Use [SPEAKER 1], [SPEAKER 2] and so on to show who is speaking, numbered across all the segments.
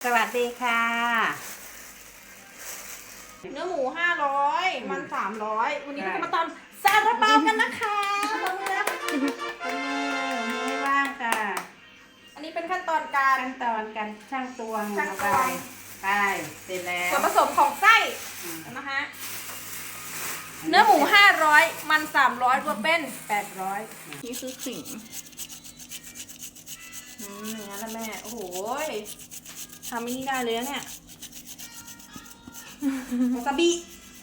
[SPEAKER 1] สวัสดีค่ะ
[SPEAKER 2] เนื้อหมู500มัน300วันนี้เราจะมาทำซาลาเปากันนะคะ
[SPEAKER 1] ไม่ว่างค่ะ
[SPEAKER 2] อันนี้เป็นขั้นตอนการ
[SPEAKER 1] ขั้นตอนการช่างตวง
[SPEAKER 2] ช่างตวง
[SPEAKER 1] ไปเสร็จแล้ว
[SPEAKER 2] ส่วนผสมของไส้นะคะเนื้อหมู500มัน300รวมเป็น800นี่คือขิงอย่างนั้นละแม่โอ้โหทำไม่นี่ได้เลยนะเนี่ยวาซาบิ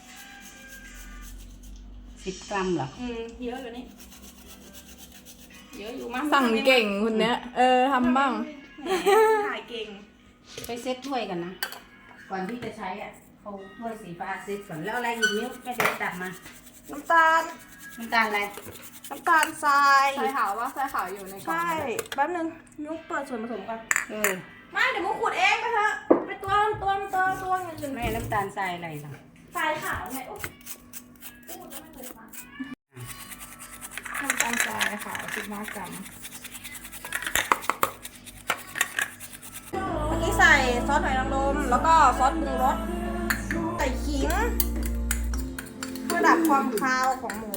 [SPEAKER 1] 10 กรัมเหรอ
[SPEAKER 2] เยอะอยู่นี่เยอะอยู่มาก
[SPEAKER 3] สั่งเก่งคุณเนี้ยทำบ้าง
[SPEAKER 2] ถ่ายเก่ง
[SPEAKER 1] ไปเซ็ตถ้วยกันนะ ก่อนที่จะใช้อ่ะเขาถ้วยสีฟ้าเซ็ตก่อนแล้วอะไรอีกนิ้วแม่เดี๋ยวตักมา
[SPEAKER 2] น้ำตาล
[SPEAKER 1] น้ำตาลอะไร
[SPEAKER 2] น้ำตาลทราย
[SPEAKER 3] ใส่ขาวว่าใส่ขาวอยู่ในกล่อง
[SPEAKER 2] ใช่แป๊บนึงนุ๊กเปิดส่วนผสมกัน
[SPEAKER 1] เออ
[SPEAKER 2] ไม่เดี๋ยวมุกขูดเองไปเถอะไปตัวอย่างอื่น
[SPEAKER 1] แม่น้ำตาลทรายอะไรล่ะ
[SPEAKER 2] ทรายขาวไงโอ้พูดแล้วไม่เคยฟัง
[SPEAKER 3] น้ำตาลทรายขาว15 กรัม
[SPEAKER 2] เมื่อกี้ใส่ซอสหอยนางรมแล้วก็ซอสปรุงรสใส่ขิงเพื่อดับความคาวของหมู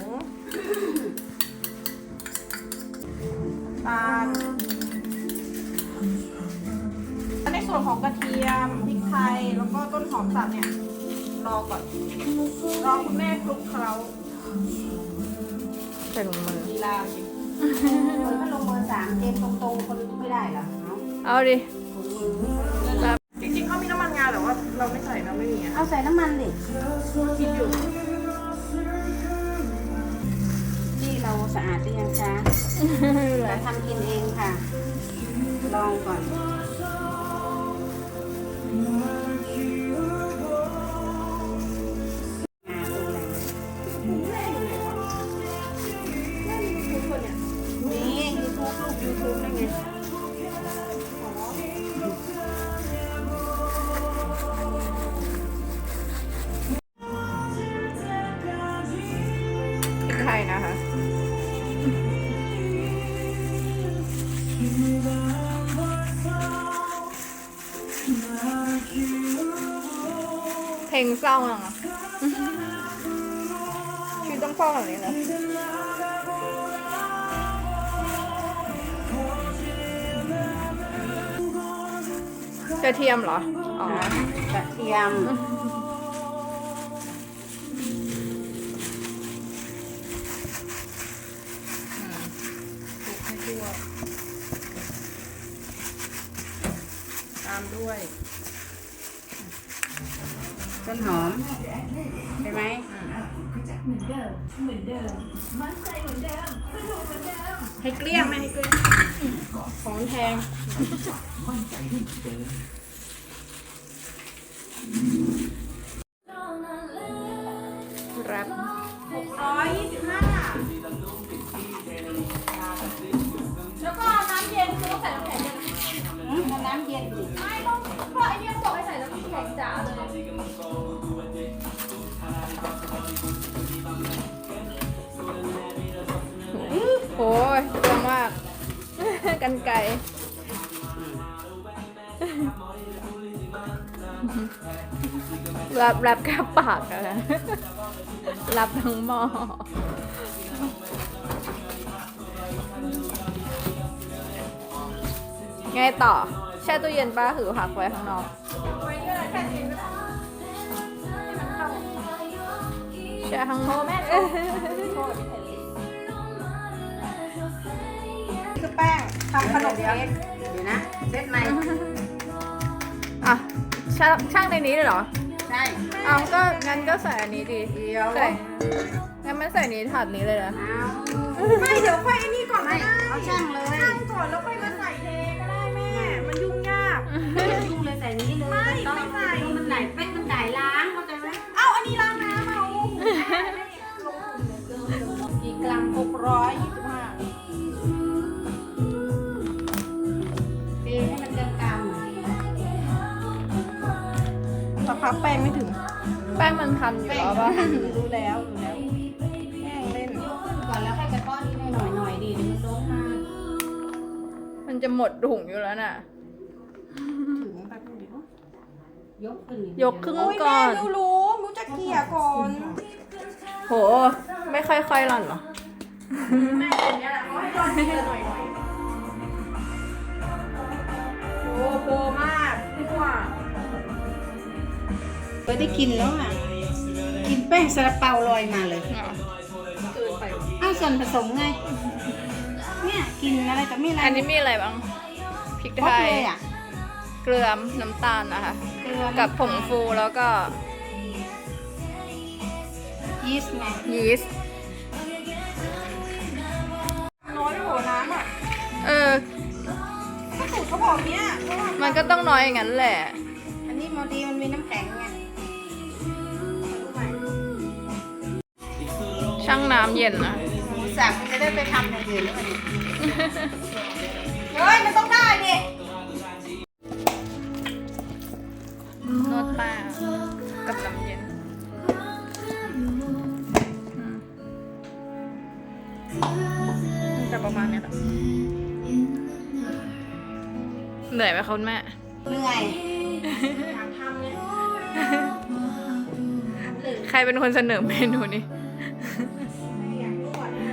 [SPEAKER 2] ตาลในส่วนของกระเทียมพริกไทยแล้วก็ต้นหอมสับเนี่ยรอก่อนรอคุณแม่คลุกเคล้า
[SPEAKER 3] ใส่ถุงมือ
[SPEAKER 2] ลีลาจริง
[SPEAKER 1] เออถ้าลงมือ3เจมตรงๆคนไม่ได้เหรอเนาะ
[SPEAKER 3] เอาดิ
[SPEAKER 2] จริงๆเขามีน้ำมันงาแต่ว่าเราไม่ใส่เราไม่มีอะ
[SPEAKER 1] เอาใส่น้ำมันดิ
[SPEAKER 2] คิดอยู่
[SPEAKER 1] ที่เราสะอาดหรือยังคะเราทำกินเองค่ะ ลองก่อนนี่ยูทูบลูกยูทูบได้ไง
[SPEAKER 3] พริกไทยนะคะ เพลงเศร้าอ่ะคือต้องเศร้าแบบนี้เลยกระเทียมเหรอ อ๋อ
[SPEAKER 1] กระเทียม
[SPEAKER 2] ตามด้วย
[SPEAKER 1] ต้นหอมใช่ไหม
[SPEAKER 2] ให้เกลี้ยงไหมให้เกลี้ยงของแพง
[SPEAKER 3] แรป
[SPEAKER 2] 625แล้วก็น้ำเย็นคือต้องใส่น้ำแข็งเย็น
[SPEAKER 1] น้ำเย็นดิ
[SPEAKER 2] ไม่ต้องเพราะไอเนี่ยเขาบอกให้ใส่น้ำแข็งจ๋าเลย
[SPEAKER 3] โอ้ยเยอะมาก กันไก่รับแค่ปากอะนะรับทั้งหม้อไงต่อ แช่ตู้เย็นป้าถือผักไว้ข้างนอก
[SPEAKER 2] ไว้เนี่ยแค่นี้ก็ได้ให้มันเข้า
[SPEAKER 3] แช่ข้างนอก
[SPEAKER 2] แม่โชว์คือแป้งทำขนมเค้ก
[SPEAKER 1] เดี๋ยวนะเซตใหม่
[SPEAKER 3] อ่ะช่างในนี้เลยเหรอ
[SPEAKER 1] ใช่
[SPEAKER 3] เอาก็งั้นก็ใส่อันนี้ดี
[SPEAKER 1] เดี๋ยว
[SPEAKER 3] ใส่งั้นไม่ใส่นี้ถาดนี้เลยนะ
[SPEAKER 1] เอา
[SPEAKER 2] ไม่เดี๋ยวค่อยไอ้นี่ก่อน
[SPEAKER 1] ไม่
[SPEAKER 2] ก็ได้
[SPEAKER 1] เอาช่างเลย
[SPEAKER 2] ช่างก่อนแล้วค่อยมาใส่เทก็ได้แม่ มันยุ่งยาก
[SPEAKER 1] อย่ายุ่งเลยใส่นี้เลย
[SPEAKER 2] ไม่
[SPEAKER 1] ต้อง
[SPEAKER 2] ไม่ใส่
[SPEAKER 1] มันไหลเป็นมันไหลล้างเข้าใจไหม
[SPEAKER 2] เอ้าอันนี้ล้างน้ำเอากี่กรัม625
[SPEAKER 1] เทให้มันกลางๆหน่อย
[SPEAKER 2] สักพักแป้งไม่ถึง
[SPEAKER 3] แป้งมันทันอยู่แล้วป่ะ
[SPEAKER 2] รู้แล้วแป้งเล่น
[SPEAKER 1] ยกขึ้นก่อนแล้วให้กระก้อนนี้หน่อยๆดิเดี๋ยวมันล้มมา
[SPEAKER 3] มันจะหมดถุงอยู่แล้วน่ะ
[SPEAKER 2] ถึงแป๊บนึง
[SPEAKER 1] ยกขึ้น
[SPEAKER 3] ยกครึ่ง
[SPEAKER 2] โอ้ย
[SPEAKER 3] ก่
[SPEAKER 2] แม่
[SPEAKER 3] อน
[SPEAKER 2] มิวจะเกลี่ยก่อน
[SPEAKER 3] โห ไม่ค่อยๆหล่อนเหรอ
[SPEAKER 2] แม่คนนี้แหละเขาให้ร่อนทีละหน่อยโอ้โหมากพี่ว่า
[SPEAKER 1] ก็ได้กินแล้วอ่ะกินแป้งซาลาเปาลอยมาเลย
[SPEAKER 2] เกินไป
[SPEAKER 1] อ้าวส่วนผสมไงเนี่ยกินอะไรแต่ไม่อะไร
[SPEAKER 3] อันนี้มีอะไรบ้าง พริก
[SPEAKER 1] คร
[SPEAKER 3] ไท
[SPEAKER 1] บ
[SPEAKER 3] ย
[SPEAKER 1] เลยอ่ะ
[SPEAKER 3] เกลือน้ำตาลนะคะ
[SPEAKER 1] เกลือ
[SPEAKER 3] กับผงฟูแล้วก็
[SPEAKER 1] ยีสต์ไง
[SPEAKER 3] ยีสต์
[SPEAKER 2] น้อยไปหัวน้ำอ่ะ
[SPEAKER 3] เออ
[SPEAKER 2] ก็สูตรเขาบอกเนี้ยเพราะว่า
[SPEAKER 3] มันก็ต้องน้อยอย่างนั้นแหละ
[SPEAKER 1] อันนี้มอดีมันมีน้ำแข็งไง
[SPEAKER 3] ช่างน้ำเย็นนะ
[SPEAKER 1] หมูสับมันจะได้ไปทำอย่างอื่นแล้วมัน
[SPEAKER 2] เฮ้ยมันต้องได้ดิ
[SPEAKER 3] นวดแป้งกับน้ำเย็นจะประมาณเนี้ยแหละเหนื่อยไหมคะคุณแม่
[SPEAKER 1] เหนื่อย
[SPEAKER 2] อยากทำเลย
[SPEAKER 3] ใครเป็นคนเสนอเมนูนี้
[SPEAKER 2] อยากนวดนะ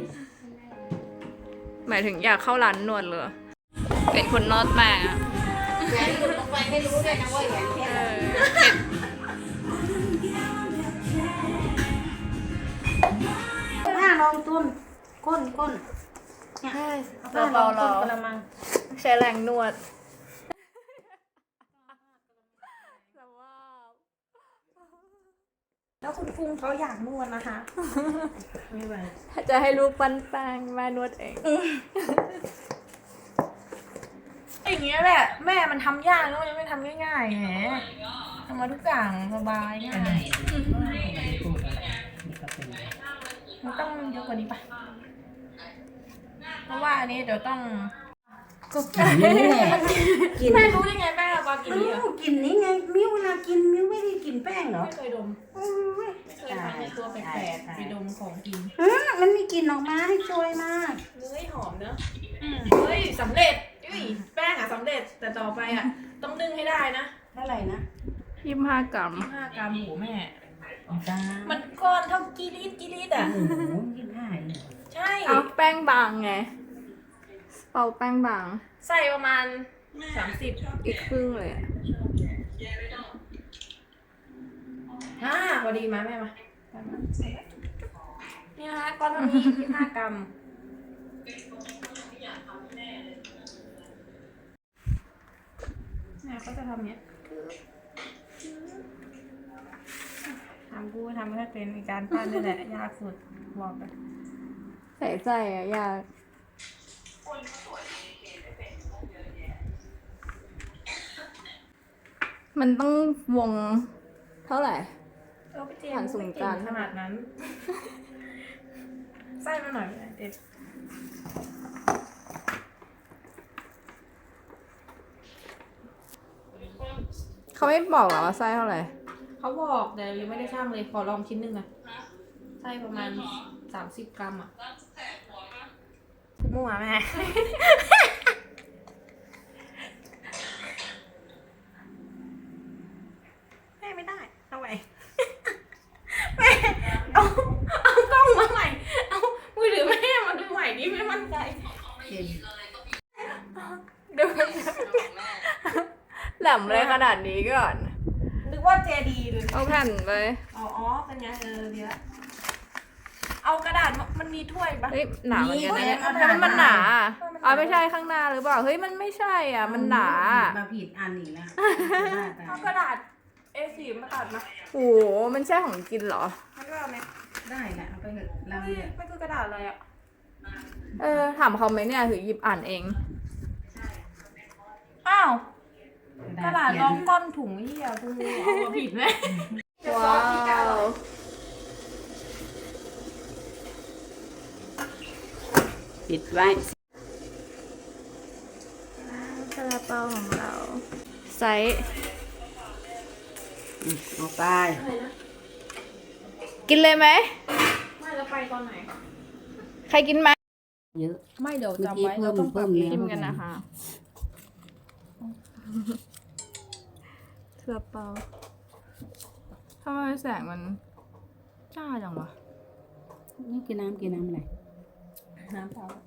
[SPEAKER 3] หมายถึงอยากเข้าร้านนวดเลย เป็นคนนวดแป้งอะ
[SPEAKER 1] แหวนหลุดลงไปไม่รู้ด้วยนะว่าแหวนเพช
[SPEAKER 3] เอ
[SPEAKER 1] ร
[SPEAKER 3] อ
[SPEAKER 1] หน้าลองต้นก้นเนี่ย
[SPEAKER 3] เราเบาเรา
[SPEAKER 1] กระมัง
[SPEAKER 3] ใช้แรงนวด
[SPEAKER 2] แล้วคุณฟุ้งเขาอยากนวดนะคะ
[SPEAKER 1] ไม่ไหว
[SPEAKER 3] ถ้าจะให้ลูกปั้นแป้งแม่นวดเอง
[SPEAKER 2] อย่างเงี้ยแหละแม่มันทำยากแล้วมันยังไม่ทำง่ายๆแหมทำมาทุกอย่างสบายง่ายมันต้องเยอะกว่านี้ปะเพราะว่าอันนี้เดี๋ยวต้อง
[SPEAKER 1] ก็กินนี่แหละกิน
[SPEAKER 2] แม่รู้ได้ไงแม่ปากินนี่อ่ะ
[SPEAKER 1] กินนี่ไงมิ้วเวลากินมิ้วไม่ได้กินแป้งเหรอ
[SPEAKER 2] ไม่เคยดมไม่เคยทำในตัวแปลกๆไปดมของกิน
[SPEAKER 1] มันมีกลิ่นออกมาให้ช่วยมาก
[SPEAKER 2] เฮ้ยหอมเนอะเฮ้ยสำเร็จอุ้ยแป้งอ่ะสำเร็จแต่ต่อไปอ่ะต้องนึ่งให้ได้นะ
[SPEAKER 1] เท่าไหร่นะ
[SPEAKER 3] 25 กรัม
[SPEAKER 2] 5 กรัมหูแม่
[SPEAKER 1] จ้า
[SPEAKER 2] มันก้อนเท่ากีริดอ่ะ
[SPEAKER 1] โอ้โห25เลย
[SPEAKER 2] ใช่
[SPEAKER 3] เอาแป้งบางไง เป่าแป้งบาง
[SPEAKER 2] ใส่ประมาณ30
[SPEAKER 3] อีกครึ่งเลยอะ
[SPEAKER 2] พอดีมาแม่มานี่นะคะก้อนเท่านี้25 กรัมเนี่ยก็จะทำเนี้ยทำกูทำไม่ได้เป็นมีการปั้นนี่แหละยากสุดบอกเลย
[SPEAKER 3] ใส่ใจอะยาก มันต้องวงเท่าไหร่
[SPEAKER 2] ไปเจ
[SPEAKER 3] ผ่านศูนย์กลาง
[SPEAKER 2] ขนาดนั้น ไส้มาหน่อยเด็ด
[SPEAKER 3] เขาไม่บอกหรอว่าไส้เท่าไหร่
[SPEAKER 2] เขาบอกแต่ยังไม่ได้ช่างเลยขอลองชิ้นหนึ่งอะไส้ประมาณ30 กรัมอะมั่วแม่ แม่ไม่ได้เอาไว้แม่เอากล้องมาใหม่เอามือถือแม่มาดูใหม่ดิไม่มั่นใจ
[SPEAKER 1] กิน
[SPEAKER 3] ดูแหลมเลยขนาดนี้ก่อน
[SPEAKER 2] นึกว่าเจดีเลย
[SPEAKER 3] เอาแผ่นไป
[SPEAKER 2] อ๋อเป็นไงดีละเอากระดาษมันมีถ้วยปะ
[SPEAKER 3] เฮ้ยหนาเหมือนกันนะเนี่ยทำไมมันหนาอะอ๋อไม่ใช่ข้างหน้าหรือเปล่า เฮ้ยมันไม่ใช่อ่ะ มันหนา
[SPEAKER 1] มาผิดอันอีกแล้ว
[SPEAKER 2] เอากระดาษ A4 มาตัดมา
[SPEAKER 3] โอ้โห มันใช่ของกินเหรอ
[SPEAKER 2] มันก็เอาเนี่ย
[SPEAKER 1] ได้แหละเอาไปเถอะเรา
[SPEAKER 2] เฮ้ย
[SPEAKER 1] เนี่ย
[SPEAKER 2] มันคือกระดาษอะไรอ่ะ
[SPEAKER 3] ถามเขาไหมเนี่ยถือหยิบอ่านเอง
[SPEAKER 2] อ้าวกระดาษรองก้อนถุงเหี้ยกูเอามาผิดไหม
[SPEAKER 3] ว้าว
[SPEAKER 1] ปิดไว้
[SPEAKER 3] ซาลาเปาของเรา ไซส์
[SPEAKER 1] เอาไป
[SPEAKER 3] กินเลยไหม
[SPEAKER 2] ไม่แล้วไปตอนไหน
[SPEAKER 3] ใครกินไหม
[SPEAKER 1] เยอะ
[SPEAKER 2] ไม่เดี๋ยว
[SPEAKER 1] เมื่อ
[SPEAKER 2] จำ
[SPEAKER 1] กี้
[SPEAKER 2] ไว้
[SPEAKER 1] เพิ่ม
[SPEAKER 2] เราต้องปรับ
[SPEAKER 1] เพิ่ม
[SPEAKER 2] เอง
[SPEAKER 3] ชิมกันนะคะ ซซาเปาทำไมแสงมันจ้าจังวะ
[SPEAKER 1] นี่กินน้ำอะไร
[SPEAKER 2] น้ำเปล่า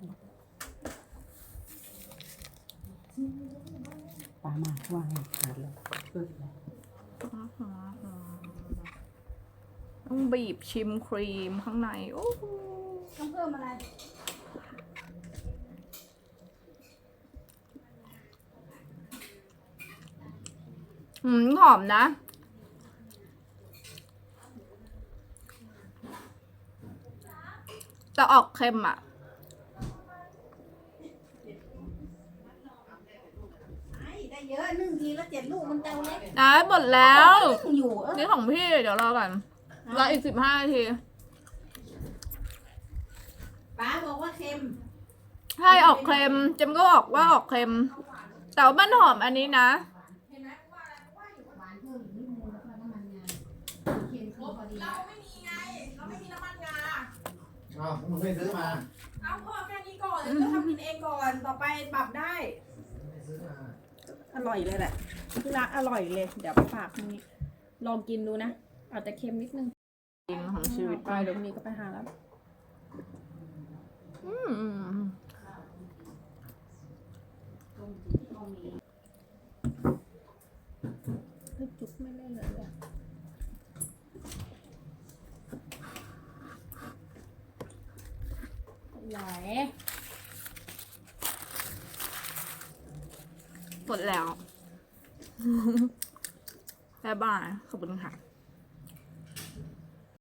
[SPEAKER 1] ปลาหมากว่าไงขาดเลยเพิ่มเลย
[SPEAKER 3] ต้องบีบชิมครีมข้างในโอ้โห
[SPEAKER 1] ต้องเพิ่มอะไร
[SPEAKER 3] หอมนะ แต่ออกเค็มอ่ะ
[SPEAKER 1] ได้เยอะนึ่งทีละ7 ลูกมันเตาเล็ก
[SPEAKER 3] ได้หมดแล้ว
[SPEAKER 1] นึ่งอยู่
[SPEAKER 3] นี่ของพี่เดี๋ยวรอก่อนรออีก15 นาที
[SPEAKER 1] ป้าบอกว่าเค็ม
[SPEAKER 3] ใช่ออกเค็มเจมก็บอกว่าออกเค็ม แต่ว่ามันหอมอันนี้นะ
[SPEAKER 1] หวานเพิ่มอีกนิดนึงแล้วก็น้ำมันงาเค็มคือพอดี
[SPEAKER 2] เราไม่มีไง เราไม่มีน้ำมันงา
[SPEAKER 4] อ้าวมึงไม่ซื้อมา
[SPEAKER 2] เอาพอแค่นี้ก่อนเดี๋ยวก็ทำกินเองก่อน ต่อไปปรับได้
[SPEAKER 4] ไม่ซื้อมา
[SPEAKER 2] อร่อยเลยแหละที่รักอร่อยเลย เดี๋ยวไปฝากนี้ลองกินดูนะ อาจจะเค็มนิดนึง
[SPEAKER 3] จริงของชีวิต
[SPEAKER 2] ไปเดี๋ยวพรุ่งนี้ก็ไปหาแล้ว
[SPEAKER 3] อืม
[SPEAKER 2] เฮ้ยจุ๊บไม่เล่นเลยอะไหล
[SPEAKER 3] หมดแล้ว บ๊ายบายขอบคุณค่ะ